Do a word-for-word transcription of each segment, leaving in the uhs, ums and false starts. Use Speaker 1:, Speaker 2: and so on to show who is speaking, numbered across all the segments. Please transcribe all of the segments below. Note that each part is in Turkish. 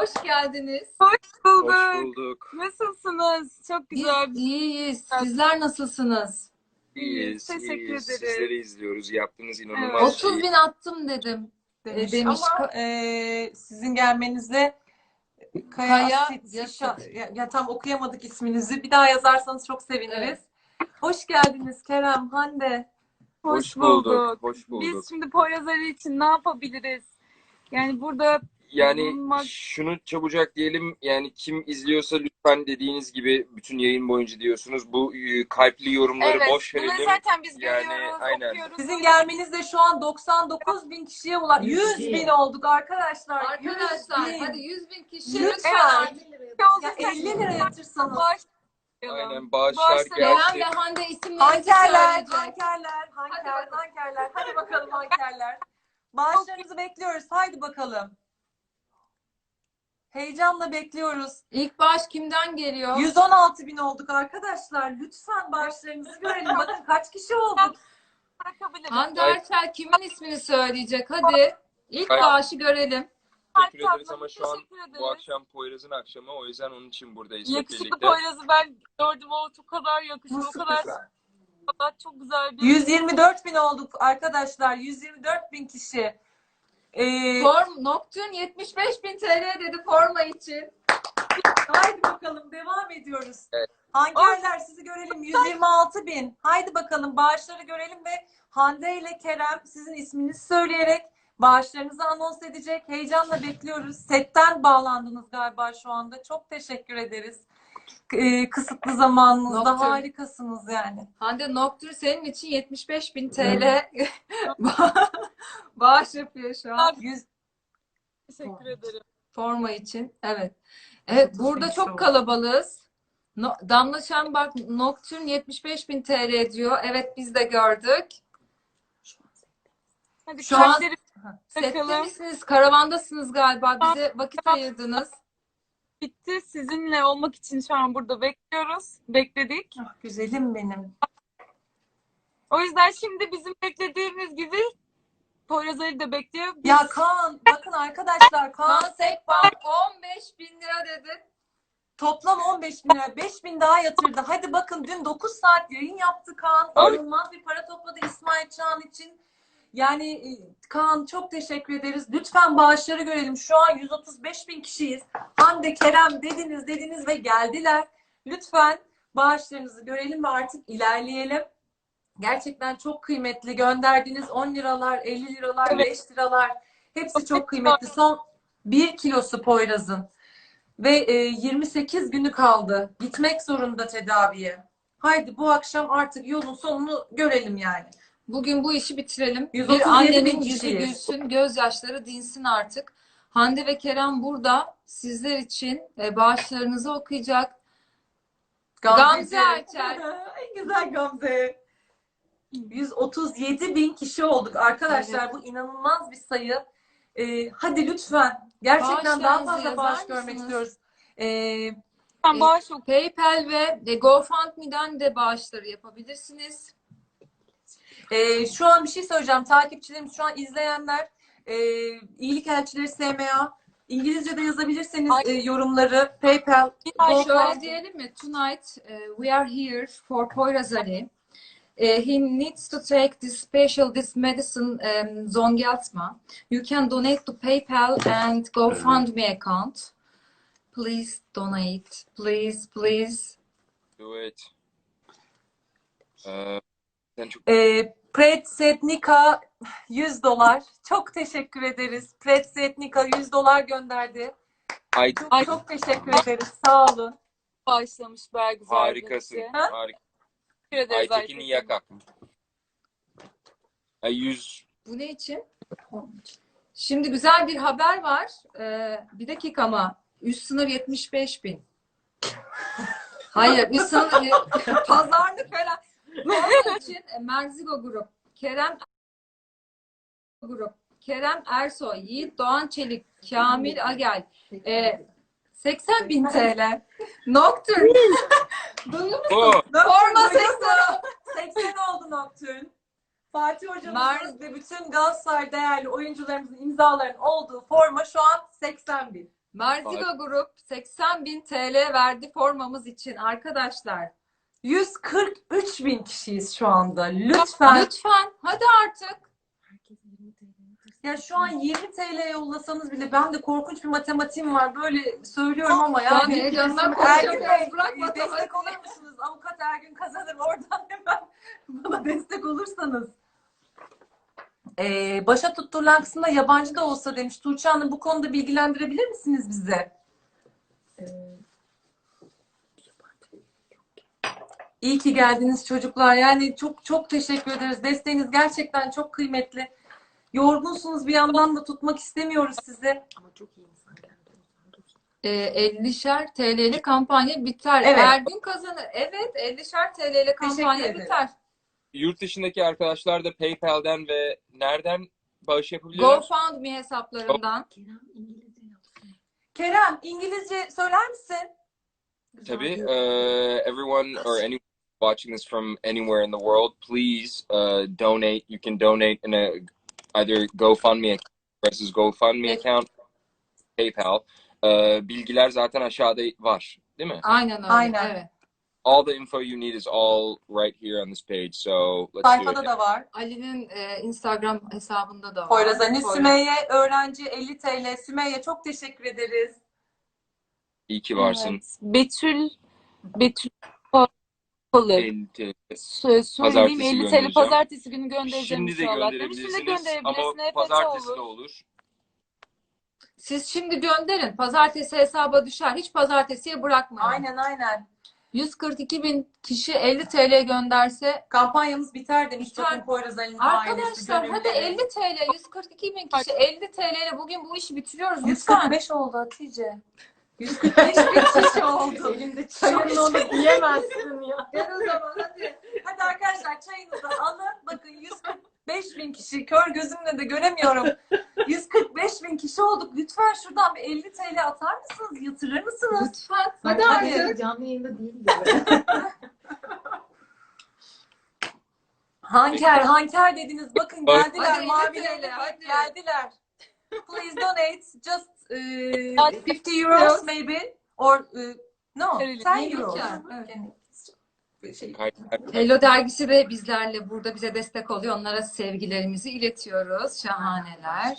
Speaker 1: hoş geldiniz.
Speaker 2: Hoş bulduk.
Speaker 3: Hoş bulduk.
Speaker 2: Nasılsınız? Çok
Speaker 1: Biz
Speaker 2: güzel.
Speaker 1: iyiyiz. Sizler nasılsınız?
Speaker 3: İyiyiz,
Speaker 2: Teşekkür
Speaker 3: iyiyiz.
Speaker 2: ederiz.
Speaker 3: Sizleri izliyoruz. Yaptığınız
Speaker 2: Evet.
Speaker 3: inanılmaz
Speaker 1: otuz
Speaker 3: şey.
Speaker 1: bin attım dedim.
Speaker 4: demiş,
Speaker 1: demiş.
Speaker 4: ama e, sizin gelmenizle Kaya,
Speaker 1: Kaya
Speaker 4: Asit,
Speaker 1: Yasit.
Speaker 4: İşa- ya, ya tam okuyamadık isminizi. Bir daha yazarsanız çok seviniriz.
Speaker 1: Evet.
Speaker 4: Hoş geldiniz Kerem, Hande.
Speaker 2: Hoş,
Speaker 3: Hoş bulduk,
Speaker 2: bulduk.
Speaker 3: hoş bulduk.
Speaker 2: Biz şimdi Poyraz Ali için ne yapabiliriz? Yani burada
Speaker 3: Yani
Speaker 2: bulunmak-
Speaker 3: şunu çabucak diyelim, yani kim izliyorsa lütfen dediğiniz gibi bütün yayın boyunca diyorsunuz. Bu e, kalpli yorumları
Speaker 2: evet,
Speaker 3: boş
Speaker 2: bunları
Speaker 3: verelim.
Speaker 2: zaten biz
Speaker 3: Yani,
Speaker 2: görüyoruz,
Speaker 3: aynen.
Speaker 2: okuyoruz.
Speaker 4: Sizin gelmenizle şu an doksan dokuz bin kişiye ulaştık. yüz bin olduk arkadaşlar.
Speaker 1: Arkadaşlar
Speaker 4: yüz bin.
Speaker 1: hadi yüz bin kişi
Speaker 4: Lütfen.
Speaker 1: lütfen.
Speaker 4: Ya elli lira yatırsanız.
Speaker 3: Aynen, bağışlar
Speaker 2: Bağışlar.
Speaker 1: Kerem
Speaker 3: gelsin.
Speaker 1: ve Hande isimlerinizi
Speaker 4: Hankerler,
Speaker 1: söyleyecek.
Speaker 4: hankerler, hanker,
Speaker 1: bakalım.
Speaker 4: hankerler. Hadi bakalım hankerler. Bağışlarınızı bekliyoruz. Haydi bakalım. Heyecanla bekliyoruz.
Speaker 1: İlk bağış kimden geliyor?
Speaker 4: yüz on altı bin olduk arkadaşlar. Lütfen bağışlarınızı görelim. Bakın kaç kişi olduk.
Speaker 2: Bırakabiliriz.
Speaker 1: Hande
Speaker 3: Ay-
Speaker 1: Erçel kimin ismini söyleyecek? Hadi. İlk
Speaker 3: Ay-
Speaker 1: bağışı görelim.
Speaker 3: Teşekkür
Speaker 2: Hatta
Speaker 3: ederiz ama şu an
Speaker 2: teşekkür ederiz.
Speaker 3: bu akşam Poyraz'ın akşamı. O yüzden onun için buradayız hep
Speaker 2: Yakışıklı
Speaker 3: birlikte.
Speaker 2: Poyraz'ı ben gördüm. O çok kadar yakışıklı. O
Speaker 4: Nasıl
Speaker 2: kadar,
Speaker 4: güzel.
Speaker 2: o kadar çok güzel bir...
Speaker 4: yüz yirmi dört bin olduk arkadaşlar. yüz yirmi dört bin kişi. Ee,
Speaker 1: Form Nocturne yetmiş beş bin T L dedi forma için.
Speaker 4: haydi bakalım devam ediyoruz.
Speaker 3: Evet.
Speaker 4: Hankerler sizi görelim. yüz yirmi altı bin. Haydi bakalım bağışları görelim ve Hande ile Kerem sizin isminizi söyleyerek bağışlarınızı anons edecek. Heyecanla bekliyoruz. Setten bağlandınız galiba şu anda. Çok teşekkür ederiz. Ee, kısıtlı zamanınızda
Speaker 1: Nocturne.
Speaker 4: harikasınız yani.
Speaker 1: Hande Nocturne senin için yetmiş beş bin T L bağış yapıyor şu an.
Speaker 4: yüz
Speaker 2: Teşekkür ederim.
Speaker 1: Forma için. Evet. Evet,
Speaker 4: otuz
Speaker 1: burada
Speaker 4: bin
Speaker 1: çok
Speaker 4: oldu.
Speaker 1: kalabalığız. No, Damla Şembak Nocturne yetmiş beş bin T L diyor. Evet, biz de gördük.
Speaker 2: Hadi
Speaker 1: Şu an-
Speaker 2: kalpleri
Speaker 1: Sette
Speaker 2: bakalım.
Speaker 1: misiniz? Karavandasınız galiba. Bize vakit ayırdınız.
Speaker 2: Bitti. Sizinle olmak için şu an burada bekliyoruz. Bekledik.
Speaker 4: Ah, güzelim benim.
Speaker 2: O yüzden şimdi bizim beklediğimiz gibi Poyraz Ali de bekliyor. Biz-
Speaker 4: Ya Kaan, bakın arkadaşlar Kaan
Speaker 1: Kaan Sekbank on beş bin lira dedi.
Speaker 4: toplam on beş bin lira. beş bin daha yatırdı. Hadi bakın dün dokuz saat yayın yaptı Kaan.
Speaker 3: Abi-
Speaker 4: İnanılmaz bir para topladı İsmail Çağan için. Yani e, Kaan çok teşekkür ederiz. Lütfen bağışları görelim. Şu an yüz otuz beş bin kişiyiz. Hande, Kerem dediniz dediniz ve geldiler. Lütfen bağışlarınızı görelim ve artık ilerleyelim. Gerçekten çok kıymetli. Gönderdiğiniz on liralar, elli liralar,
Speaker 2: Evet.
Speaker 4: beş liralar hepsi çok kıymetli. Son bir kilosu Poyraz'ın. Ve e, yirmi sekiz günü kaldı. Gitmek zorunda tedaviye. Haydi bu akşam artık yolun sonunu görelim yani.
Speaker 1: Bugün bu işi bitirelim.
Speaker 4: yüz otuz
Speaker 1: Bir
Speaker 4: yedi
Speaker 1: annenin
Speaker 4: bin
Speaker 1: yüzü
Speaker 4: kişiyiz.
Speaker 1: gülsün, gözyaşları dinsin artık. Hande ve Kerem burada sizler için e, bağışlarınızı okuyacak. Gamze Erçel.
Speaker 4: En güzel Gamze. yüz otuz yedi bin kişi olduk arkadaşlar.
Speaker 1: Evet.
Speaker 4: Bu inanılmaz bir sayı. Ee, hadi lütfen. Gerçekten daha
Speaker 1: Bağışlarınızı
Speaker 4: fazla bağış
Speaker 1: yazar
Speaker 4: görmek
Speaker 1: mısınız?
Speaker 4: istiyoruz. Ee,
Speaker 2: Ben bağış ok-
Speaker 1: PayPal ve e, GoFundMe'den de bağışları yapabilirsiniz.
Speaker 4: e, şu an bir şey söyleyeceğim. Takipçilerimiz, şu an izleyenler, e, iyilik elçileri S M A, İngilizce'de yazabilirseniz
Speaker 2: Ay.
Speaker 4: e, yorumları PayPal.
Speaker 2: Ay,
Speaker 1: Şöyle
Speaker 4: GoFundMe.
Speaker 1: diyelim mi? Tonight uh, we are here for Poyraz Ali. Uh, he needs to take this special this medicine um, Zongeltma. You can donate to PayPal and GoFundMe account. Please donate. Please, please.
Speaker 3: Do it. Ee, sen çok
Speaker 4: E, Pretsetnika yüz dolar. Çok teşekkür ederiz. Pretsetnika yüz dolar gönderdi.
Speaker 3: Ay,
Speaker 4: Çok, çok teşekkür ederiz. Sağ olun.
Speaker 2: bağışlamış Bergüzar.
Speaker 3: harikasın.
Speaker 2: birisi.
Speaker 4: Ha?
Speaker 3: Harika.
Speaker 2: Teşekkür ederiz
Speaker 3: Aytekin Yaka. Ay, yüz.
Speaker 1: Bu ne için? Şimdi güzel bir haber var. Ee, bir dakika ama üst sınır yetmiş beş bin. Hayır, üst sınır pazarlık falan. Onun için e, Merzigo Grup, Kerem Grup, Kerem Ersoy, Yiğit Doğan Çelik, Kamil Agel, e, seksen bin T L. Nocturne. Duyuyor musun?
Speaker 3: O.
Speaker 1: Forma
Speaker 4: Nocturne
Speaker 1: seksen.
Speaker 4: seksen oldu Nocturne. Fatih hocamızın
Speaker 1: Mer-
Speaker 4: ve bütün Galatasaray değerli oyuncularımızın imzalarının olduğu forma şu an seksen bin.
Speaker 1: Marziga Grup seksen bin T L verdi formamız için arkadaşlar.
Speaker 4: yüz kırk üç bin kişiyiz şu anda. Lütfen.
Speaker 1: Lütfen hadi artık.
Speaker 4: Ya şu an yirmi T L yollasanız bile ben de korkunç bir matematiğim var. Böyle söylüyorum ama ya.
Speaker 1: Ben heyecandan
Speaker 4: Ergün
Speaker 1: konuşamıyorum.
Speaker 4: Bey,
Speaker 1: Bırak
Speaker 4: e,
Speaker 1: matematiği.
Speaker 4: destek olur musunuz? Avukat Ergün kazanır. Oradan hemen bana destek olursanız. Ee, başa tutturulan kısımda yabancı da olsa demiş. Tuğçe Hanım bu konuda bilgilendirebilir misiniz bize? İyi ki geldiniz çocuklar. Yani çok çok teşekkür ederiz. Desteğiniz gerçekten çok kıymetli. Yorgunsunuz bir yandan da tutmak istemiyoruz sizi.
Speaker 1: E, ellişer T L'li kampanya biter.
Speaker 4: Evet.
Speaker 1: Ergün kazanır. Evet, ellişer T L'li kampanya
Speaker 4: ederim.
Speaker 1: biter.
Speaker 3: Yurt dışındaki arkadaşlar da PayPal'den ve nereden bağış yapabiliyorlar?
Speaker 1: GoFundMe hesaplarından.
Speaker 4: Kerem İngilizce söyler misin?
Speaker 3: Tabii. Uh, everyone or anyone watching this from anywhere in the world, please uh, donate. You can donate in a either GoFundMe account versus GoFundMe account, PayPal. Uh, bilgiler zaten aşağıda var, değil mi?
Speaker 1: Aynen öyle.
Speaker 4: Aynen.
Speaker 1: Evet.
Speaker 3: All the info you need is all right here on this page. So let's do
Speaker 4: Sayfada
Speaker 3: it.
Speaker 4: da var.
Speaker 1: Ali'nin e, Instagram hesabında da var.
Speaker 4: Poyraz Ani
Speaker 1: Poyraz.
Speaker 4: Sümeyye öğrenci elli T L. Sümeyye çok teşekkür ederiz.
Speaker 3: İyi ki varsın.
Speaker 2: Evet. Betül Betül Palı.
Speaker 3: elli T L.
Speaker 2: Sö- Söyleyeyim
Speaker 3: Pazartesi
Speaker 2: elli T L
Speaker 3: göndereceğim.
Speaker 2: pazartesi günü göndereceğim
Speaker 3: Şimdi de
Speaker 2: inşallah. Demiştim de
Speaker 3: gönderebilirsiniz
Speaker 2: gönderebilirsin.
Speaker 3: ama
Speaker 2: E F T
Speaker 3: pazartesi
Speaker 2: olur.
Speaker 3: de olur.
Speaker 1: Siz şimdi gönderin. Pazartesi hesaba düşer. Hiç pazartesiye bırakmayın.
Speaker 4: Aynen aynen.
Speaker 1: yüz kırk iki bin kişi elli T L gönderse
Speaker 4: Kampanyamız biter demiş.
Speaker 1: Biter.
Speaker 4: Bakın Poyraz Ali'nin ailesi.
Speaker 1: arkadaşlar hadi
Speaker 4: gönülleri.
Speaker 1: elli T L yüz kırk iki bin kişi elli T L ile bugün bu işi bitiriyoruz
Speaker 4: yüz
Speaker 1: lütfen.
Speaker 4: kırk beş oldu Hatice. yüz kırk beş bin kişi oldu.
Speaker 1: Elinde
Speaker 4: Çayın onu diyemezsin ya.
Speaker 1: Gel o zaman hadi.
Speaker 4: Hadi arkadaşlar çayınızı alın. Bakın yüz kırk beş bin kişi. Kör gözümle de göremiyorum. yüz kırk beş bin kişi olduk. Lütfen şuradan bir elli T L atar mısınız? Yatırır mısınız?
Speaker 1: Lütfen. Hadi
Speaker 4: Hadi.
Speaker 1: artık.
Speaker 5: Canlı yayında değil
Speaker 4: Hanker, hanker dediniz. Bakın
Speaker 3: Hadi.
Speaker 4: geldiler.
Speaker 1: Hadi,
Speaker 4: Mavi
Speaker 1: elli T L, hadi.
Speaker 4: geldiler. Please donate just uh,
Speaker 2: Hadi.
Speaker 4: fifty euros maybe or uh, no
Speaker 2: Öyle
Speaker 4: ten
Speaker 1: değil
Speaker 4: euros.
Speaker 1: ya, evet.
Speaker 4: Şey,
Speaker 3: Kay-
Speaker 1: Hello dergisi de bizlerle burada bize destek oluyor. Onlara sevgilerimizi iletiyoruz. Şahaneler.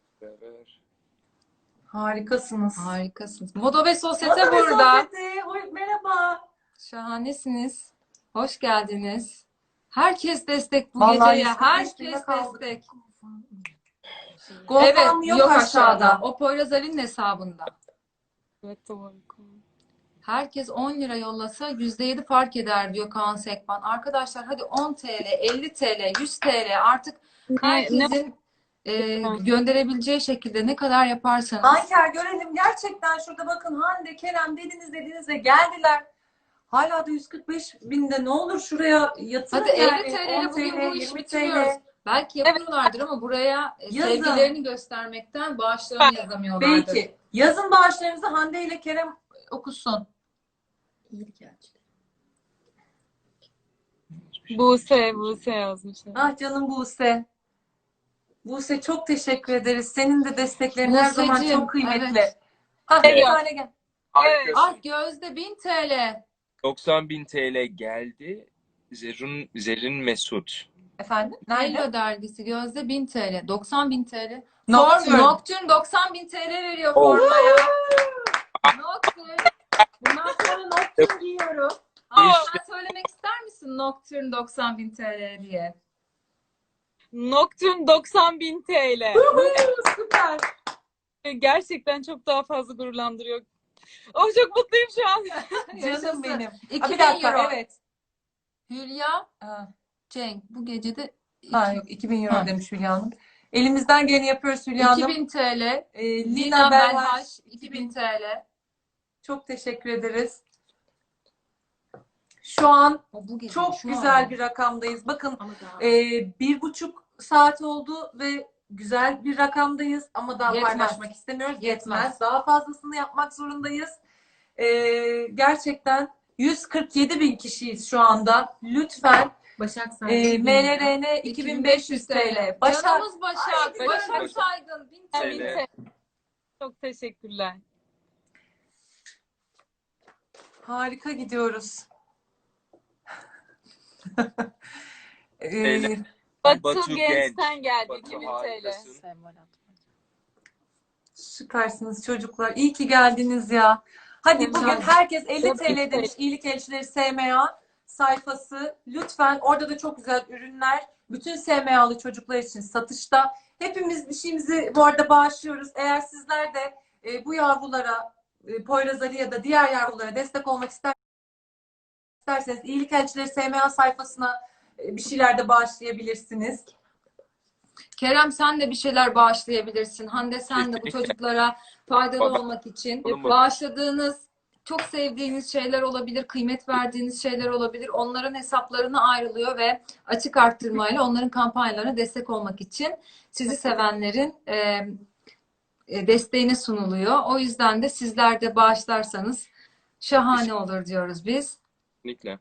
Speaker 4: harikasınız.
Speaker 1: Harikasınız. Moda ve Sosyete
Speaker 4: Moda ve
Speaker 1: burada.
Speaker 4: Sosyete, hoş- merhaba.
Speaker 1: Şahanesiniz. Hoş geldiniz. Herkes destek bu
Speaker 4: Vallahi
Speaker 1: geceye.
Speaker 4: yüz kırk beş
Speaker 1: Herkes
Speaker 4: binde kaldık.
Speaker 1: destek.
Speaker 4: GoFundMe
Speaker 1: Evet,
Speaker 4: yok,
Speaker 1: yok
Speaker 4: aşağıda.
Speaker 1: aşağıda. O Poyraz Ali'nin hesabında.
Speaker 2: Evet doğru.
Speaker 1: Herkes on lira yollasa yüzde yedi fark eder diyor Kaan Sekban. Arkadaşlar hadi on T L, elli T L, yüz T L artık
Speaker 2: Ne, ne
Speaker 1: herkesin e, gönderebileceği şekilde ne kadar yaparsanız.
Speaker 4: Hanker görelim. Gerçekten şurada bakın Hande, Kerem dediniz dediniz ve geldiler. Hala da yüz kırk beş binde ne olur şuraya yatırın
Speaker 1: Hadi
Speaker 4: yani.
Speaker 1: elli T L ile
Speaker 4: on
Speaker 1: bugün bu işi
Speaker 4: yirmi
Speaker 1: bitiriyoruz. Belki yapıyorlardır ama buraya e,
Speaker 4: Yazın.
Speaker 1: sevgilerini göstermekten bağışlarını yazamıyorlardır.
Speaker 4: Belki. Yazın bağışlarınızı Hande ile Kerem okusun.
Speaker 5: İyilik elçileri.
Speaker 2: Buse, Buse yazmış.
Speaker 4: Ah canım Buse. Buse çok teşekkür ederiz. Senin de desteklerin her zaman
Speaker 1: Buse'cim,
Speaker 4: çok kıymetli.
Speaker 1: evet.
Speaker 4: Ah
Speaker 3: Evet.
Speaker 4: bir tane gel.
Speaker 3: Harikasın.
Speaker 1: Ah Gözde bin T L.
Speaker 3: doksan bin T L geldi. Zerrin, Zerrin Mesut.
Speaker 4: Efendim? Nerede?
Speaker 1: Hello dergisi Gözde bin T L. doksan bin T L.
Speaker 4: Nocturne.
Speaker 1: Form, Nocturne doksan bin T L veriyor
Speaker 3: Oh.
Speaker 1: formaya. Nocturne. Bundan sonra Nocturne giyiyorum. Aa,
Speaker 3: İşte.
Speaker 1: sen söylemek ister misin Nocturne doksan bin T L diye?
Speaker 2: Nocturne doksan bin T L.
Speaker 4: Süper.
Speaker 2: Gerçekten çok daha fazla gururlandırıyor. Oh çok mutluyum şu an.
Speaker 4: Canım
Speaker 1: Yaşasın.
Speaker 4: benim. Ha,
Speaker 1: iki
Speaker 4: bir
Speaker 1: bin
Speaker 4: dakika
Speaker 1: euro.
Speaker 4: evet.
Speaker 1: Hülya
Speaker 4: Ha,
Speaker 1: Cenk bu gece de
Speaker 4: ha, yok iki bin euro
Speaker 1: Ha.
Speaker 4: demiş Hülya Hanım. Elimizden geleni yapıyoruz Hülya Hanım.
Speaker 1: iki bin T L.
Speaker 4: Ee,
Speaker 1: Lina
Speaker 4: Lina Belhaş
Speaker 1: Belhaş iki bin T L.
Speaker 4: çok teşekkür ederiz. Şu an
Speaker 1: O bu gece,
Speaker 4: çok
Speaker 1: şu
Speaker 4: güzel
Speaker 1: an.
Speaker 4: bir rakamdayız. Bakın
Speaker 5: Ama daha
Speaker 4: e, bir buçuk saat oldu ve güzel bir rakamdayız ama daha
Speaker 1: Yetmez.
Speaker 4: paylaşmak istemiyoruz. Yetmez.
Speaker 1: Yetmez.
Speaker 4: Daha fazlasını yapmak zorundayız. E, gerçekten yüz kırk yedi bin kişiyiz şu anda. Lütfen
Speaker 5: Başak
Speaker 4: e,
Speaker 5: Saygın.
Speaker 4: M L R N iki bin beş yüz T L. Başak
Speaker 1: Canımız Başak.
Speaker 4: Ay,
Speaker 1: Başak
Speaker 3: Başak.
Speaker 1: Saygın bin T L.
Speaker 3: T L.
Speaker 2: Çok teşekkürler.
Speaker 4: Harika gidiyoruz. Ee,
Speaker 3: Zeynep.
Speaker 2: Batu,
Speaker 3: Batu
Speaker 2: Genç'ten
Speaker 3: Genç.
Speaker 2: geldi
Speaker 3: Batu
Speaker 2: iki bin T L.
Speaker 3: harikasın.
Speaker 4: Süpersiniz çocuklar. İyi ki geldiniz ya. Hadi
Speaker 2: Evet.
Speaker 4: bugün herkes elli
Speaker 2: Çok
Speaker 4: T L
Speaker 2: iyi.
Speaker 4: demiş iyilik elçileri S M A sayfası. Lütfen orada da çok güzel ürünler. Bütün S M A'lı çocuklar için satışta. Hepimiz bir şeyimizi bu arada bağışlıyoruz. Eğer sizler de e, bu yavrulara, e, Poyraz Ali ya da diğer yavrulara destek olmak ister, isterseniz iyilik elçileri S M A sayfasına e, bir şeyler de bağışlayabilirsiniz.
Speaker 1: Kerem sen de bir şeyler bağışlayabilirsin. Hande sen de bu
Speaker 3: Kesinlikle.
Speaker 1: çocuklara faydalı
Speaker 3: Bak-
Speaker 1: olmak için
Speaker 3: Oğlum bak-
Speaker 1: bağışladığınız, çok sevdiğiniz şeyler olabilir, kıymet verdiğiniz şeyler olabilir. Onların hesaplarına ayrılıyor ve açık arttırmayla onların kampanyalarına destek olmak için sizi sevenlerin e, e, desteğine sunuluyor. O yüzden de sizler de bağışlarsanız şahane olur diyoruz biz.
Speaker 3: Kesinlikle.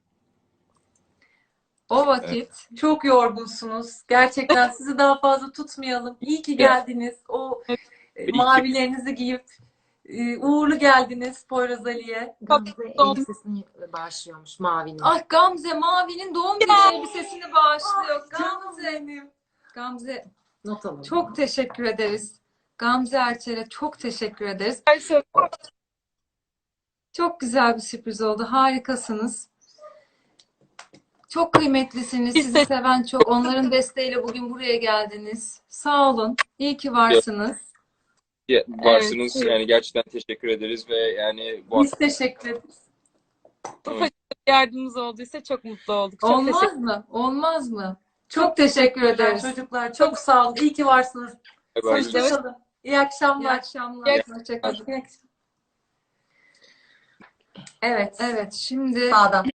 Speaker 1: O vakit
Speaker 4: Çok yorgunsunuz. Gerçekten sizi daha fazla tutmayalım. İyi ki geldiniz. O e, mavilerinizi giyip e, uğurlu geldiniz Poyraz Ali'ye.
Speaker 5: Gamze elbisesini bağışlıyormuş mavinin.
Speaker 1: ah Gamze Mavi'nin doğum günü elbisesini bağışlıyor.
Speaker 4: Canım
Speaker 1: Gamze,
Speaker 4: benim.
Speaker 1: Gamze
Speaker 5: Not alalım.
Speaker 1: çok teşekkür ederiz. Gamze Erçel'e çok teşekkür ederiz. Çok güzel bir sürpriz oldu. Harikasınız. Çok kıymetlisiniz.
Speaker 2: Biz
Speaker 1: Sizi
Speaker 2: de-
Speaker 1: seven çok. Onların desteğiyle bugün buraya geldiniz. Sağ olun. İyi ki varsınız.
Speaker 3: Ya, varsınız
Speaker 2: Evet.
Speaker 3: yani gerçekten teşekkür ederiz ve yani bu
Speaker 4: Biz teşekkür ederiz.
Speaker 3: Evet.
Speaker 2: Yardımımız olduysa çok mutlu olduk. Çok teşekkür
Speaker 1: Olmaz mı? Olmaz mı? Çok teşekkür ederiz.
Speaker 4: Çocuklar çok sağ olun. İyi ki varsınız.
Speaker 3: Bye bye.
Speaker 4: Hoşçakalın. İyi
Speaker 1: İyi
Speaker 4: akşamlar.
Speaker 1: akşamlar.
Speaker 2: İyi
Speaker 1: Hoşçakalın.
Speaker 4: İyi akşamlar.
Speaker 1: Evet, evet. Şimdi
Speaker 4: Sağdan.